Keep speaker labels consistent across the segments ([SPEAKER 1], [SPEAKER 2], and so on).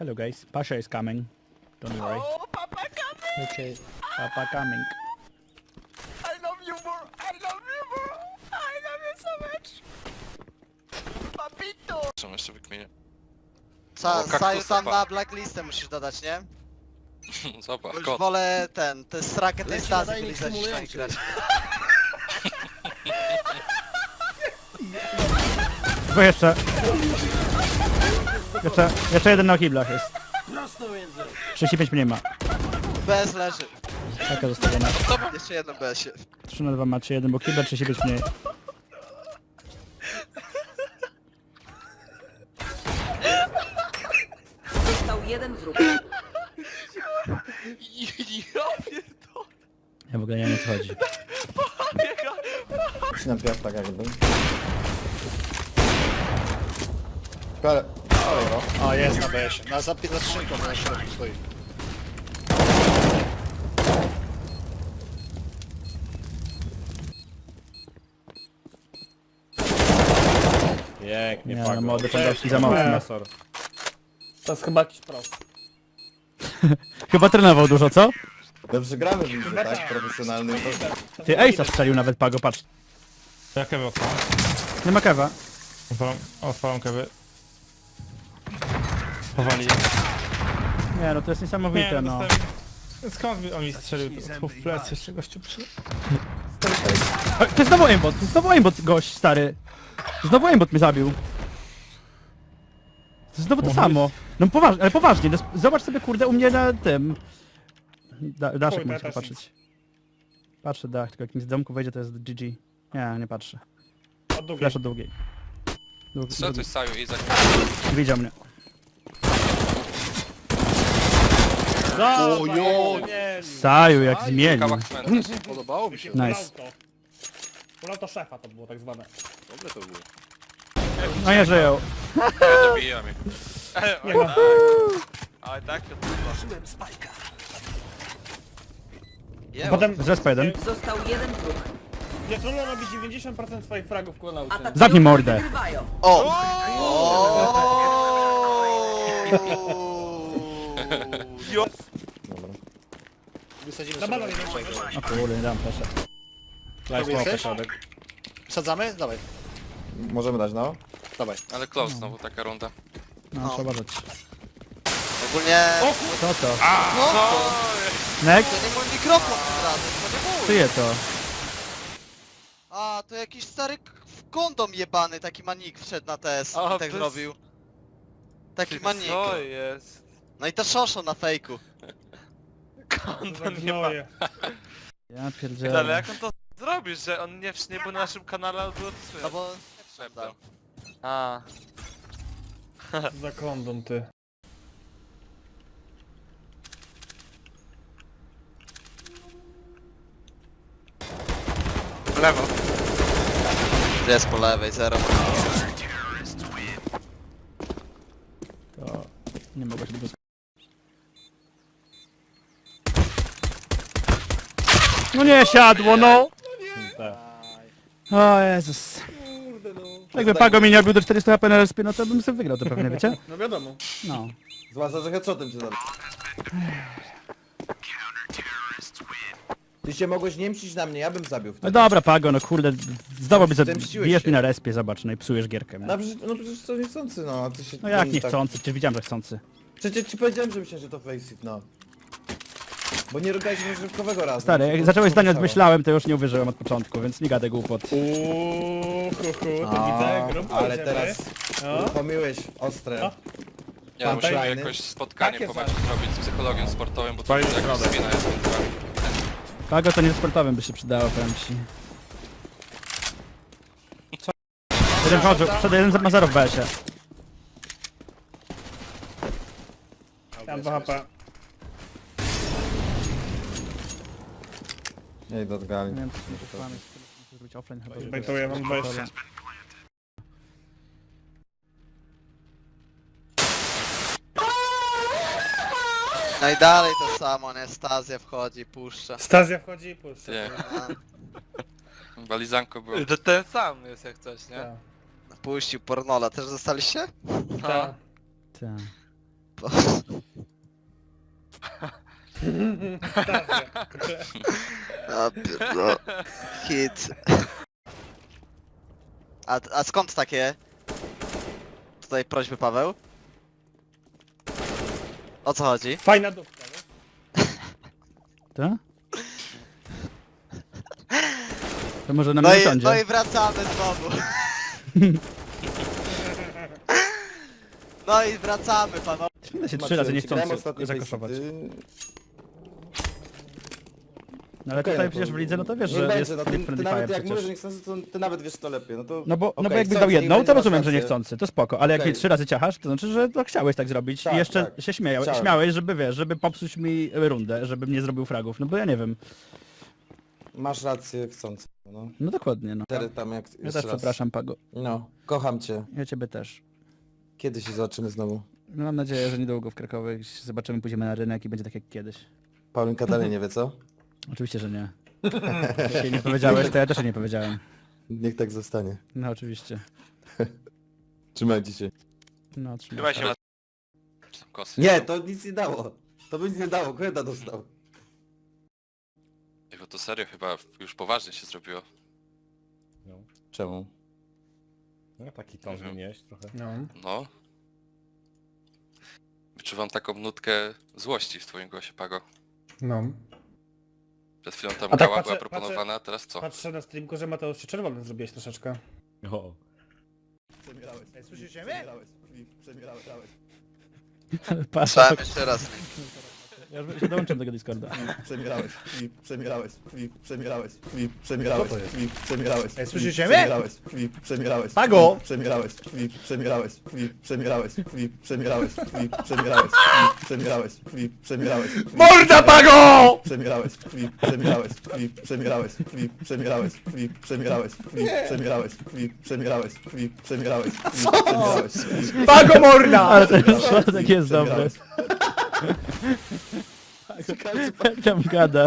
[SPEAKER 1] Hello guys, Pasha is coming. Don't worry.
[SPEAKER 2] Oh, Papa coming!
[SPEAKER 1] Okay, Papa coming.
[SPEAKER 2] I love you more! I love you more! I love you so much! Papito!
[SPEAKER 3] Są jeszcze wykminie.
[SPEAKER 4] Saju
[SPEAKER 3] kaktusy,
[SPEAKER 4] tam
[SPEAKER 3] pa.
[SPEAKER 4] na blacklistę musisz dodać, nie?
[SPEAKER 3] Zobacz,
[SPEAKER 4] Bo już
[SPEAKER 3] kot.
[SPEAKER 4] wolę te strakę tej
[SPEAKER 5] Leci
[SPEAKER 4] stacji
[SPEAKER 5] nadajnik
[SPEAKER 4] wylizać niż tam
[SPEAKER 5] symulujący.
[SPEAKER 4] grać.
[SPEAKER 1] Tylko jeszcze. Jeszcze jeden na kiblach jest.
[SPEAKER 5] Prosto między.
[SPEAKER 1] 35 mniej ma.
[SPEAKER 4] BS leży.
[SPEAKER 1] Taka zostawiona.
[SPEAKER 4] Jeszcze jedno BS-ie.
[SPEAKER 1] 3 na 2 ma 3-1, bo kibla 35 mniej.
[SPEAKER 6] Został jeden wróg.
[SPEAKER 1] Ja w ogóle nie wiem o co chodzi.
[SPEAKER 7] Ścinam piach tak jakby. Ale... Olej go.
[SPEAKER 5] O, jest na BS-ie. Za skrzynką na środku stoi.
[SPEAKER 7] Pięknie,
[SPEAKER 1] Nie no, młody Podolski za mocno.
[SPEAKER 8] To jest chyba jakiś prost.
[SPEAKER 1] Chyba trenował dużo, co?
[SPEAKER 7] Dobrze gramy w lidze, tak? Profesjonalnym.
[SPEAKER 1] Ty Ace'a strzelił nawet, Pago, patrz.
[SPEAKER 9] Ja kewy odpalam.
[SPEAKER 1] Nie ma kewa.
[SPEAKER 9] Odpalam kewy. Powali.
[SPEAKER 1] Nie no, to jest niesamowite, no.
[SPEAKER 9] Skąd mi on mi strzelił tu w plecy jeszcze gościu przy...
[SPEAKER 1] To jest znowu aimbot, gość, stary. Znowu aimbot mnie zabił. To jest znowu to samo. No poważnie, ale poważnie, no, zobacz sobie kurde u mnie na tym. Daszek
[SPEAKER 8] Chuj,
[SPEAKER 1] możesz
[SPEAKER 8] też
[SPEAKER 1] popatrzeć. Patrzę dach, tylko jak mi z domku wejdzie to jest GG. Nie, nie patrzę.
[SPEAKER 8] Od długiej.
[SPEAKER 1] Flash od długiej.
[SPEAKER 3] Co ty Saju i za...
[SPEAKER 1] Widział mnie. Saju jak zmienił.
[SPEAKER 3] Kawałek cmentarz.
[SPEAKER 5] Podobało mi się.
[SPEAKER 1] Nice.
[SPEAKER 8] Ulał to szefa to było tak zwane.
[SPEAKER 5] Dobre to było.
[SPEAKER 1] No nie żyją.
[SPEAKER 3] Nie dobija mnie.
[SPEAKER 8] Nie ma.
[SPEAKER 3] Ale tak to
[SPEAKER 1] Potem zespa jeden.
[SPEAKER 6] Został jeden wróg.
[SPEAKER 8] Diatrolo robi 90% swoich fragów ku nauce.
[SPEAKER 6] Atakujący
[SPEAKER 1] Zamknij mordę.
[SPEAKER 6] wygrywają.
[SPEAKER 4] O!
[SPEAKER 7] Dobra.
[SPEAKER 5] Wysadzimy
[SPEAKER 8] Na
[SPEAKER 5] sobie.
[SPEAKER 8] balon jeden.
[SPEAKER 1] O kurde, nie dam proszę.
[SPEAKER 5] Daj smoka środek. Wsadzamy? Dawaj.
[SPEAKER 7] Możemy dać, no?
[SPEAKER 5] Dawaj.
[SPEAKER 3] Ale close znowu taka runda.
[SPEAKER 1] No, trzeba uważać.
[SPEAKER 4] Ogólnie...
[SPEAKER 1] Co to?
[SPEAKER 4] No,
[SPEAKER 1] Next?
[SPEAKER 4] to nie mój mikrofon tym razem, to nie mój.
[SPEAKER 1] Czyje to?
[SPEAKER 4] A, to jakiś stary kondom jebany, taki manik wszedł na TS i tak zrobił. Taki manik.
[SPEAKER 3] Co jest?
[SPEAKER 4] No i ta szoszo na fejku.
[SPEAKER 8] To gnoje.
[SPEAKER 1] Ja pierdzielę.
[SPEAKER 3] jak on to zrobisz, że on nie był na naszym kanale, ale było
[SPEAKER 4] No bo...
[SPEAKER 3] szeptał. A.
[SPEAKER 8] Za kondom ty.
[SPEAKER 3] W lewo.
[SPEAKER 4] Jest po lewej, zero.
[SPEAKER 1] To nie mogę się długo... No nie siadło, no! O Jezus. Jakby Pago mi nie bił do 400 HP na respie, no to bym sobie wygrał to pewnie, wiecie?
[SPEAKER 8] No wiadomo.
[SPEAKER 1] No.
[SPEAKER 7] Zwłaszcza, że headshotem cię zabił. Ty się mogłeś nie mścić na mnie, ja bym zabił
[SPEAKER 1] No
[SPEAKER 7] wtedy.
[SPEAKER 1] dobra Pago, no kurde, znowu by
[SPEAKER 7] Zemściłeś
[SPEAKER 1] bijesz
[SPEAKER 7] się.
[SPEAKER 1] mi na respie, zobacz, no i psujesz gierkę.
[SPEAKER 7] No przecież to niechcący, no. A ty się...
[SPEAKER 1] No jak
[SPEAKER 7] tak-
[SPEAKER 1] niechcący, przecież widziałem, że chcący.
[SPEAKER 7] Przecież ci powiedziałem, że myślę, że to faceit, no. Bo nie robiłeś rozrywkowego razu.
[SPEAKER 1] Stary, jak zacząłeś zdania myślałem, to już nie uwierzyłem od początku, więc nie gadaj głupot.
[SPEAKER 8] To widzę, grubo
[SPEAKER 7] ale
[SPEAKER 8] idziemy.
[SPEAKER 7] teraz
[SPEAKER 8] No.
[SPEAKER 7] pomyłeś ostre.
[SPEAKER 8] No.
[SPEAKER 3] Nie,
[SPEAKER 7] Pan
[SPEAKER 3] musimy
[SPEAKER 7] Fajny.
[SPEAKER 3] jakoś spotkanie
[SPEAKER 8] Takie
[SPEAKER 3] po meczu zrobić z psychologiem sportowym, bo to
[SPEAKER 9] Fajny
[SPEAKER 3] jest jakaś
[SPEAKER 9] środek.
[SPEAKER 3] spina jest między wami.
[SPEAKER 1] Pago to nie sportowym by się przydało, powiem ci. Jeden chodził, przed jeden ma 0 w BS-ie.
[SPEAKER 8] Mam 2 HP.
[SPEAKER 7] Nie idę od gali.
[SPEAKER 1] Nie wiem, co to muszę zrobić offline chyba. żeby-
[SPEAKER 8] Bejtuję, mam 20.
[SPEAKER 4] No i dalej to samo, nie? Stazja wchodzi, puszcza.
[SPEAKER 8] Stazja wchodzi i puszcza.
[SPEAKER 3] Nie,
[SPEAKER 4] A,
[SPEAKER 3] walizanko było.
[SPEAKER 10] To ten sam jest jak coś, nie?
[SPEAKER 8] Tak.
[SPEAKER 4] puścił pornola, też zostaliście?
[SPEAKER 8] Tak.
[SPEAKER 1] Tak.
[SPEAKER 4] bo... A pierdol... Hit. A skąd takie... Tutaj prośby, Paweł? O co chodzi?
[SPEAKER 8] Fajna dupka, nie?
[SPEAKER 1] Tak? To może na
[SPEAKER 4] No
[SPEAKER 1] mnie
[SPEAKER 4] i,
[SPEAKER 1] usiądzie.
[SPEAKER 4] no i wracamy znowu. No i wracamy, panowie.
[SPEAKER 1] Świetnie się 3 razy nie
[SPEAKER 7] Grałem
[SPEAKER 1] chcący
[SPEAKER 7] ostatnio
[SPEAKER 1] zakoszować.
[SPEAKER 7] Facey,
[SPEAKER 1] No ale
[SPEAKER 7] okej,
[SPEAKER 1] tutaj
[SPEAKER 7] no to-
[SPEAKER 1] przecież w lidze, no to wiesz,
[SPEAKER 7] nie
[SPEAKER 1] że
[SPEAKER 7] będzie,
[SPEAKER 1] jest
[SPEAKER 7] no
[SPEAKER 1] tryb
[SPEAKER 7] ty
[SPEAKER 1] friendly
[SPEAKER 7] nawet
[SPEAKER 1] fire
[SPEAKER 7] jak mówisz,
[SPEAKER 1] przecież.
[SPEAKER 7] że nie chcący, to ty nawet wiesz to lepiej, no to...
[SPEAKER 1] No bo
[SPEAKER 7] okej,
[SPEAKER 1] jakby
[SPEAKER 7] chcący,
[SPEAKER 1] dał
[SPEAKER 7] niech
[SPEAKER 1] jedną,
[SPEAKER 7] będzie,
[SPEAKER 1] to
[SPEAKER 7] masz
[SPEAKER 1] rozumiem, że nie
[SPEAKER 7] rację.
[SPEAKER 1] chcący, to spoko, ale jak
[SPEAKER 7] Okej.
[SPEAKER 1] jej 3 razy ciachasz, to znaczy, że to chciałeś tak zrobić
[SPEAKER 7] Tak,
[SPEAKER 1] i jeszcze
[SPEAKER 7] tak.
[SPEAKER 1] się
[SPEAKER 7] Chciałem.
[SPEAKER 1] śmiałeś, żeby wiesz, żeby popsuć mi rundę, żebym nie zrobił fragów, no bo ja nie wiem.
[SPEAKER 7] Masz rację, chcący, no.
[SPEAKER 1] No dokładnie, no.
[SPEAKER 7] Teraz tam jak...
[SPEAKER 1] Ja
[SPEAKER 7] jeszcze
[SPEAKER 1] też
[SPEAKER 7] raz.
[SPEAKER 1] przepraszam, Pago.
[SPEAKER 7] No, kocham cię.
[SPEAKER 1] Ja ciebie też.
[SPEAKER 7] Kiedy się zobaczymy znowu?
[SPEAKER 1] No, mam nadzieję, że niedługo w Krakowie zobaczymy, pójdziemy na rynek i będzie tak jak kiedyś.
[SPEAKER 7] Paulinka dalej nie wie, co?
[SPEAKER 1] Oczywiście, że nie. Jeśli nie powiedziałeś, to ja też nie powiedziałem.
[SPEAKER 7] Niech tak zostanie.
[SPEAKER 1] No oczywiście.
[SPEAKER 7] Trzymajcie się.
[SPEAKER 1] No, trzymaj.
[SPEAKER 3] Chyba się ma...
[SPEAKER 10] Kosy.
[SPEAKER 7] Nie, to nic nie dało. To by nic nie dało, Kreda dostał.
[SPEAKER 10] Bo to serio chyba już poważnie się zrobiło.
[SPEAKER 7] Czemu?
[SPEAKER 8] No taki ton
[SPEAKER 10] Mhm.
[SPEAKER 8] zmieniłeś trochę.
[SPEAKER 1] No.
[SPEAKER 10] No. Wyczuwam taką nutkę złości w twoim głosie, Pago.
[SPEAKER 8] No.
[SPEAKER 10] Przed chwilą tam
[SPEAKER 8] A tak
[SPEAKER 10] gała
[SPEAKER 8] patrzę-
[SPEAKER 10] była proponowana, a teraz co?
[SPEAKER 8] Patrzę na streamku, że Mateusz się czerwony zrobiłeś troszeczkę.
[SPEAKER 5] O.
[SPEAKER 2] Przemierałeś. Słyszycie mnie? Przemierałeś.
[SPEAKER 1] Patrz,
[SPEAKER 4] Słyszałem jeszcze raz.
[SPEAKER 1] ja już się dołączam do tego Discorda.
[SPEAKER 2] Przemierałeś. Przemierałeś.
[SPEAKER 8] Ej, słyszycie mnie?
[SPEAKER 2] Przemierałeś.
[SPEAKER 1] Pago!
[SPEAKER 2] Przemierałeś.
[SPEAKER 1] Morda, Pago!
[SPEAKER 2] Przemierałeś.
[SPEAKER 1] Pago morda! Ale ten środek jest dobry. Jak tam gada.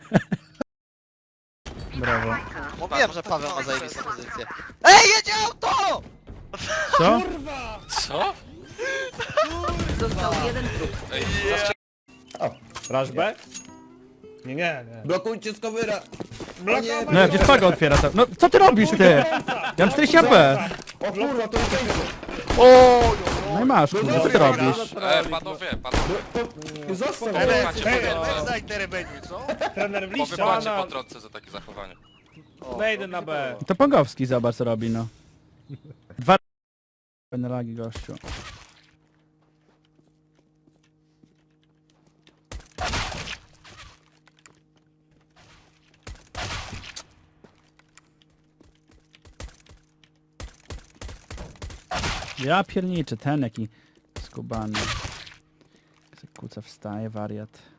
[SPEAKER 1] Brawo.
[SPEAKER 4] Mówiłem, że Paweł ma zajebistą pozycję. Ej, jedzie auto!
[SPEAKER 1] Co?
[SPEAKER 10] Co?
[SPEAKER 6] Został jeden wróg.
[SPEAKER 10] Ej,
[SPEAKER 8] Rushback? Nie.
[SPEAKER 7] Blokujcie Skowyra!
[SPEAKER 8] Blokować!
[SPEAKER 1] No jak gdzieś Pago otwiera to. No co ty robisz, ty? Ja mam 40 AP.
[SPEAKER 7] O kurwa, to jest...
[SPEAKER 1] No i masz, kurwa, co ty robisz?
[SPEAKER 10] panowie.
[SPEAKER 7] Został!
[SPEAKER 10] Macie po drodze.
[SPEAKER 8] Trener w liście,
[SPEAKER 10] Powybacie
[SPEAKER 8] a
[SPEAKER 10] po drodze za takie zachowanie.
[SPEAKER 8] wejdę na B.
[SPEAKER 1] To Pongowski zobacz co robi, no. 2 penalagi gościu. Ja pierniczę, ten jaki skubany. Kuca wstaje, wariat.